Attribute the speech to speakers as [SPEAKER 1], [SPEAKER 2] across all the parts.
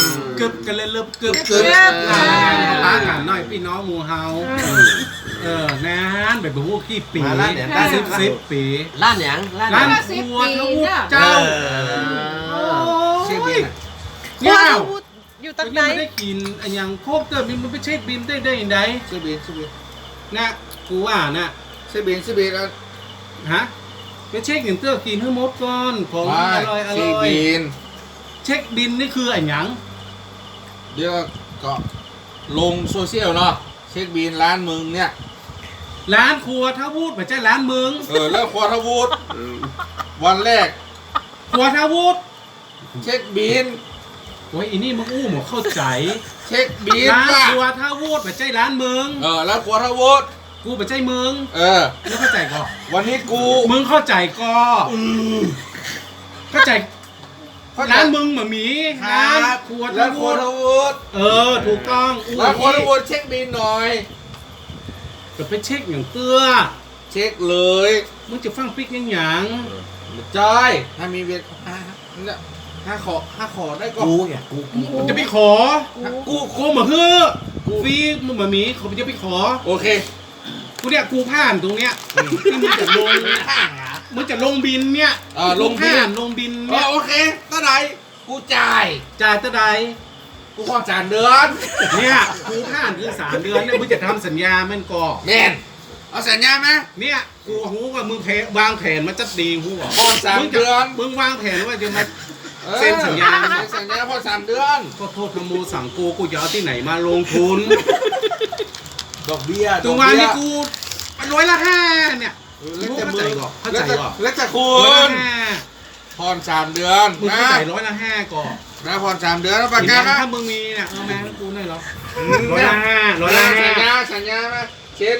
[SPEAKER 1] กึบกันเลยเริ่มกึบร้านกันหน่อยพี่น้องหมู่เฮานานแบบพวกขี้ปีได้10 ปี
[SPEAKER 2] ร้านหยัง
[SPEAKER 1] ร้านครัวทวุฒิเจ้า
[SPEAKER 3] เช็คบิน
[SPEAKER 1] เนี่ย
[SPEAKER 4] อยู่ตั้งไหน
[SPEAKER 1] ไม่ได้กินอันยังโคกเกิดมันไปเช็คบินได้ยังไง
[SPEAKER 3] เช็คบิน
[SPEAKER 1] นะกูว่านะ
[SPEAKER 3] เช็คบินแล้ว
[SPEAKER 1] ฮะไปเช็คอย่างเตื้อกินให้หมดก่อนของอร่อย
[SPEAKER 3] เช็คบิน
[SPEAKER 1] นี่คืออันยัง
[SPEAKER 3] เดี๋ยวก็ลงโซเชียลเนาะเช็คบินร้านมึงเนี่ย
[SPEAKER 1] ร้านครัวทวุฒิไม่ใช่ร้านมึง
[SPEAKER 3] แล้วครัวทวุฒิวันแรก
[SPEAKER 1] ครัวทวุฒิ
[SPEAKER 3] เช็คบิน
[SPEAKER 1] โอ้ยอีนี่มึงอู้หมดเข้าใจ
[SPEAKER 3] เช็คบิน
[SPEAKER 1] ร้านครัวทวุฒิไม่ใช่ร้านมึง
[SPEAKER 3] แล้วครัวทวุฒิ
[SPEAKER 1] กูไม่ใช่มึง
[SPEAKER 3] แล้ว
[SPEAKER 1] เข้าใจก่อน
[SPEAKER 3] วันนี้
[SPEAKER 1] มึงเข้าใจก่อนเข้าใจร้านมึงมามีร้านครัวทวุฒิถูกต้อง
[SPEAKER 3] ร้านครัวทวุฒิเช็คบินหน่อย
[SPEAKER 1] ก็ไปเช็คอย่างเตื้อ
[SPEAKER 3] เช็คเลย
[SPEAKER 1] มึงจะฟังปิ๊กยัง
[SPEAKER 3] จอยถ้ามีเวทห้าขอได้ก็
[SPEAKER 2] กูเนี่ย
[SPEAKER 1] กูจะไปขอกูมาเฮ้อฟรีมึงมามีเขาจะไปขอ
[SPEAKER 3] โอเค
[SPEAKER 1] กูเนี่ยกูผ่านตรงเนี้ยที่มึงจะลงบินเนี่ย
[SPEAKER 3] ลง
[SPEAKER 1] บินเนี่ย
[SPEAKER 3] โอเคเท่าไหร่กูจ่าย
[SPEAKER 1] เท่าไหร่
[SPEAKER 3] กูขอ3 เดือน
[SPEAKER 1] เนี่ยกูผ่านคือ3 เดือนเนี่ยมึงจะทำสัญญามันก่อ
[SPEAKER 3] แม่นเอาสัญญาไหม
[SPEAKER 1] เนี่ยกูหูว่ามึงวางแผนมันจะดีหูว่า
[SPEAKER 3] พอ3 เดือน
[SPEAKER 1] มึงวางแผนว่าจะมาเซ็นสัญญา
[SPEAKER 3] พอ3 เดือน
[SPEAKER 1] ก็โทษทโมสั่งกูจะเอาที่ไหนมาลงทุน
[SPEAKER 3] ดอกเบี้ย
[SPEAKER 1] ตัววันนี้กู100%เนี่ยเข้าใจก่อน
[SPEAKER 3] แล้วจะคุณพร3 เดือน
[SPEAKER 1] มึงเข้าใจ100%ก่อน
[SPEAKER 3] แล้วพร3 เดือนแล้วประกัน
[SPEAKER 1] ถ้ามึงมีเนี่ยแม่กูได้หรอ100%
[SPEAKER 3] สัญญาไหมเช่น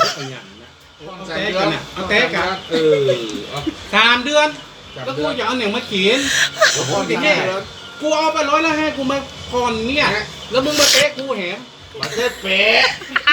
[SPEAKER 1] เอาเต๊ะกัน3 เดือนแล้วกูอยากเอาหนังมาเขียนกูเอาไป100%กูมาผ่อนเนี่ยแล้วมึงมาเต๊ะกูแหม
[SPEAKER 3] มาเต๊ะเป๊ะ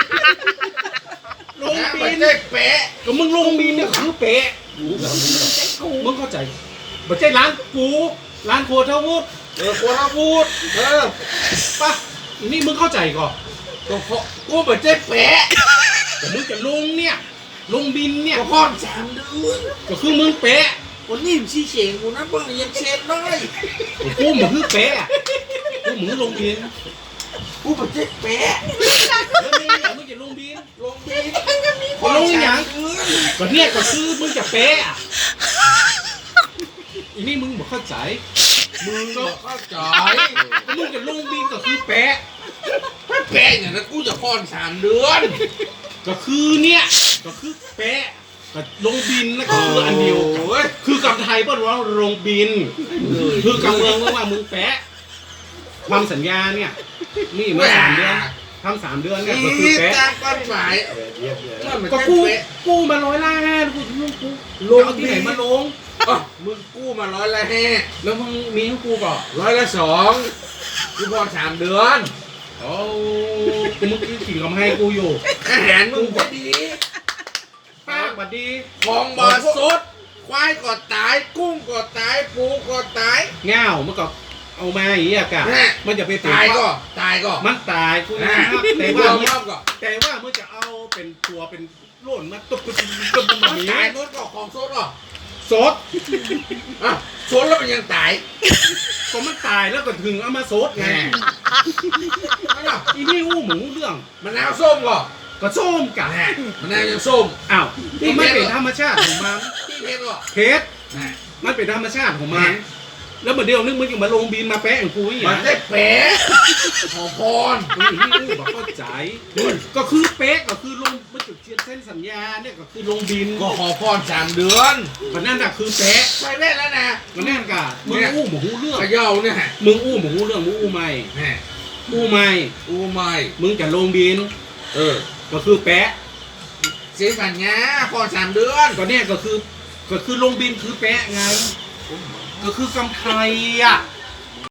[SPEAKER 1] ลงบินเป๊ะก็มึงลงบินเนี่ยคือเป๊ะมึงเข้าใจไม่ใช่ร้านกูร้านครัวทวุฒิ
[SPEAKER 3] ครัวทวุฒิ
[SPEAKER 1] ป่ะนี่มึงเข้าใจก่อน
[SPEAKER 3] กูไม่ใช่เป๊ะ
[SPEAKER 1] แต่มึงจะลงเนี่ยลงบินเนี่ย
[SPEAKER 3] ก็พ่อ3 เดือน
[SPEAKER 1] ก็คือมึงเป๊ะ
[SPEAKER 3] วันนี้มึงชี้เฉงกูนะเบิ่งยังเช็ดได้
[SPEAKER 1] กูเหมือนคือเป๊ะกูเหมือนลงบิน
[SPEAKER 3] กูไม่ใช่เป๊ะ
[SPEAKER 1] แล้วมึงจะลงบินลงอย่างก็เนี่ยก็คือมึงจะเป๊ะอีนี่มึงบอกเข้าใจ
[SPEAKER 3] มึงก็เข้าใจ
[SPEAKER 1] มึงจะลงบินก็คือเป๊ะ
[SPEAKER 3] อย่างนั้นกูจะพ่อน3 เดือน
[SPEAKER 1] ก็คือเนี่ยก็คือเป๊ะก็ลงบินนะก็คืออันเดียวคือกับไทยป่ะว่าลงบินคือกับเมืองว่ามึงเป๊ะทำสัญญาเนี่ยนี่มา3 เดือนทำ3 เดือนเนี่ยก็คือเป๊ะ
[SPEAKER 3] กฎหมาย
[SPEAKER 1] ก็กู้มา100%กูลงที่ไหนมาลง
[SPEAKER 3] มึงกู้มา100%
[SPEAKER 1] แล้วมึงมีให้กูก่อน
[SPEAKER 3] 200กูพอ3 เดือน
[SPEAKER 1] โอ้กูมึงคือขิงกับให้กูอยู่
[SPEAKER 3] อาหารมึงก็ดี
[SPEAKER 1] ป้าบัดดี
[SPEAKER 3] ของบาสดควายก็ตายกุ้งก็ตายปูก็ตาย
[SPEAKER 1] เง่ามันก็เอามาอย่างนี้กะมันจะไป
[SPEAKER 3] ตายก็
[SPEAKER 1] มันตายกูนะแต่ว่าเมื่อจะเอาเป็นตัวเป็นโล่นมาตุ๊บ
[SPEAKER 3] มันตายนู้นก็ของสดหรอ
[SPEAKER 1] สด
[SPEAKER 3] สดแล้วมันยังตาย
[SPEAKER 1] ก็มันตายแล้วก็ถึงเอามาสดไงอีนี่อู้หมูเรื่อง
[SPEAKER 3] มันน้ำส้ม
[SPEAKER 1] ก็ส้มกะ
[SPEAKER 3] มันน้ำยังส้ม
[SPEAKER 1] อ้าวที่มันเป็นธรรมชาติของมัน
[SPEAKER 3] ที่
[SPEAKER 1] เพชรมันเป็นธรรมชาติของมันแล้วเมื่อเดียวนึกมึงยังมาลงบินมาแปะของกูอย่าง
[SPEAKER 3] มันได้เป๊ะขอพร
[SPEAKER 1] นี่กูบอกเข้าใจก็คือเป๊ะก็คือลงมันจุดเส้นสัญญาเนี่ยก็คือลงบิน
[SPEAKER 3] ก็ขอพร3 เดือน
[SPEAKER 1] มันนั่นน่ะคือเป๊ะ
[SPEAKER 3] ใช่เว้ยแล้วนะ
[SPEAKER 1] มันนั่นกะมึงอู้หมูเรื่อง
[SPEAKER 3] ขย่าเนี่ย
[SPEAKER 1] มึงอู้หมูเรื่องมึงอู้ไม่มึงจะลงบินก็คือแปะ
[SPEAKER 3] เสียสัญญาพร3 เดือน
[SPEAKER 1] ก็เนี่ยก็คือลงบินคือแปะไงก็คือกำไทย